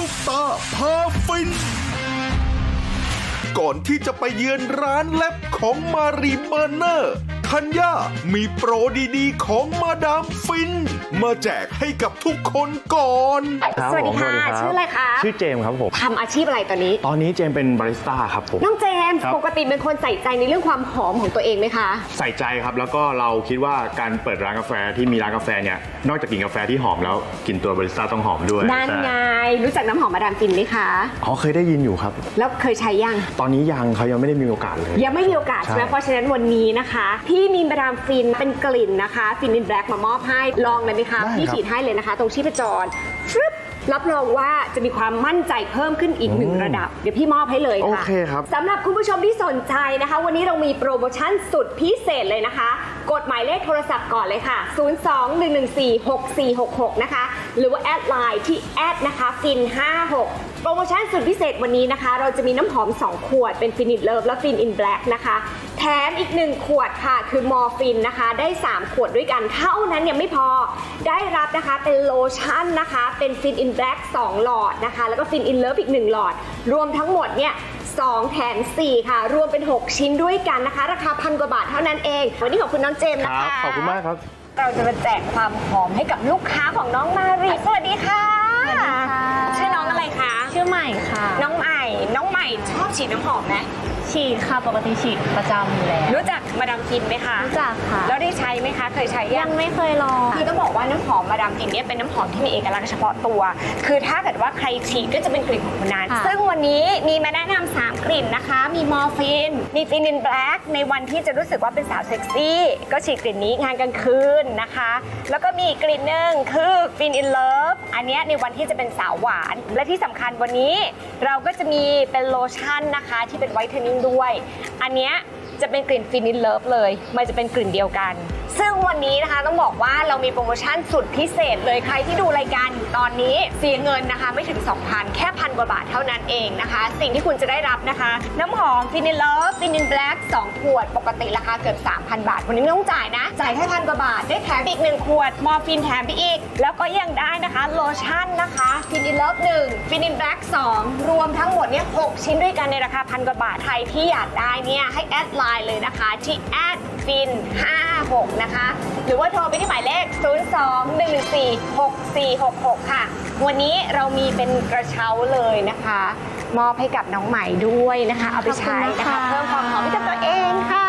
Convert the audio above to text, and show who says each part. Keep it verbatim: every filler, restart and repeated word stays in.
Speaker 1: ปตาพาฟินก่อนที่จะไปเยือนร้านแลบของมารีเบอร์เนอร์ธัญญามีโปรดีๆของมาดามฟินมาแจกให้กับทุกคนก่อน
Speaker 2: สวัสดีค่ะชื่ออะไรคะ
Speaker 3: ชื่อเจมส์ครับผม
Speaker 2: ทำอาชีพอะไรตอนนี้
Speaker 3: ตอนนี้เจมส์เป็นบาริสต้าครับผม
Speaker 2: น้องเจมส์ปกติเป็นคนใส่ใจในเรื่องความหอมของตัวเองไหมคะ
Speaker 3: ใส่ใจครับแล้วก็เราคิดว่าการเปิดร้านกาแฟที่มีร้านกาแฟเนี่ยนอกจากกินกาแฟที่หอมแล้วกินตัวบาริสต้าต้องหอมด้วย
Speaker 2: นั่นไงรู้จักน้ำหอมมาดามฟินไหมคะ
Speaker 3: อ๋อเคยได้ยินอยู่ครับ
Speaker 2: แล้วเคยใช้ยัง
Speaker 3: ตอนนี้ยังเขายังไม่ได้มีโอกาสเลย
Speaker 2: ยังไม่มีโอกาสใช่ไหมเพราะฉะนั้นวันนี้นะคะพี่มีมาดามฟินเป็นกลิ่นนะคะฟินอินแบล็กมามอบให้ลองเลยไหมคะพี่ฉีดให้เลยนะคะตรงชีพจรฟึบรับรองว่าจะมีความมั่นใจเพิ่มขึ้นอีกหนึ่งระดับเดี๋ยวพี่มอบให้เลยค่ะ
Speaker 3: โอเคครับ
Speaker 2: สำหรับคุณผู้ชมที่สนใจนะคะวันนี้เรามีโปรโมชั่นสุดพิเศษเลยนะคะกดหมายเลขโทรศัพท์ก่อนเลยค่ะศูนย์ สอง หนึ่ง หนึ่ง สี่ หก สี่ หก หกนะคะหรือว่าแอดไลน์ที่แอดนะคะฟินห้าหกโปรโมชั่นสุดพิเศษวันนี้นะคะเราจะมีน้ำหอมสองขวดเป็นฟินอินเลิฟและฟินอินแบล็กนะคะแถมอีกหนึ่งขวดค่ะคือมอร์ฟินนะคะได้สามขวดด้วยกันเท่านั้นยังไม่พอได้รับนะคะเป็นโลชั่นนะคะเป็นฟินอินแบล็กสองหลอดนะคะแล้วก็ฟินอินเลิฟอีกหนึ่งหลอดรวมทั้งหมดเนี่ยสองแถมสี่ค่ะรวมเป็นหกชิ้นด้วยกันนะคะราคาพันกว่าบาทเท่านั้นเองวันนี้ขอบคุณน้องเจมส์นะคะ
Speaker 3: ขอบคุณมากครับ
Speaker 2: เราจะมาแจกความหอมให้กับลูกค้าของน้องมารีสวัสดีค่ะ
Speaker 4: สวัสดีค่ะ
Speaker 2: ชื่อน้องอะไรคะ
Speaker 4: ชื่อใหม่ค่ะ
Speaker 2: น้องใหม่น้องใหม่ชอบฉีดน้ำหอมไหม
Speaker 4: ฉีดค่ะปกติฉีดประจำอยู่แล้ว
Speaker 2: รู้จักมาดามฟินไหมคะ
Speaker 4: รู้จักค่ะ
Speaker 2: แล้วได้ใช้ไหมคะเคยใช้
Speaker 4: ยังไม่เคยลอง
Speaker 2: คือต้องบอกว่าน้ำหอมมาดามฟินเนี่ยเป็นน้ำหอมที่มีเอกลักษณ์เฉพาะตัวคือถ้าเกิดว่าใครฉีดก็จะเป็นกลิ่นของคนนั้นซึ่งวันนี้มีมาแนะนำสามกลิ่นนะคะมีมอร์ฟินมีฟินอินแบล็กในวันที่จะรู้สึกว่าเป็นสาวเซ็กซี่ก็ฉีดกลิ่นนี้งานกลางคืนนะคะแล้วก็มีอีกกลิ่นหนึ่งคือฟินอินเลิฟอันนี้ในวันที่จะเป็นสาวหวานและที่สำคัญวันนี้เราก็จะมีเป็นโลชั่นนะคะที่เป็นไวท์เทนนิ่งด้วยอันเนี้ยจะเป็นกลิ่นฟินิชเลิฟเลยมันจะเป็นกลิ่นเดียวกันซึ่งวันนี้นะคะต้องบอกว่าเรามีโปรโมชั่นสุดพิเศษเลยใครที่ดูรายการตอนนี้เสียเงินนะคะไม่ถึง สองพัน แค่พันกว่าบาทเท่านั้นเองนะคะสิ่งที่คุณจะได้รับนะคะน้ำหอมฟินิชเลิฟฟินิชแบล็กสองขวดปกติราคาเกือบ สามพัน บาทวันนี้ไม่ต้องจ่ายนะจ่ายแค่พันกว่าบาทได้แถมอีกหนึ่งขวดมอร์ฟินแถมไปอีกแล้วก็ยังได้นะคะโลชั่นนะคะฟินิชเลิฟหนึ่งฟินิชแบล็กสองรวมทั้งหมดเนี่ยหกชิ้นด้วยกันในราคาพันกว่าบาทใครที่อยากได้เนี่ยให้แอดไลน์เลยนะคะที่แอดฟินห้าหกนะคะหรือว่าโทรไปที่หมายเลขศูนย์ สอง หนึ่ง หนึ่ง สี่ หก สี่ หก หกค่ะวันนี้เรามีเป็นกระเช้าเลยนะคะมอบให้กับน้องใหม่ด้วยนะคะเอาไปใช้นะคะเพิ่มความหอมให้กับตัวเองค่ะ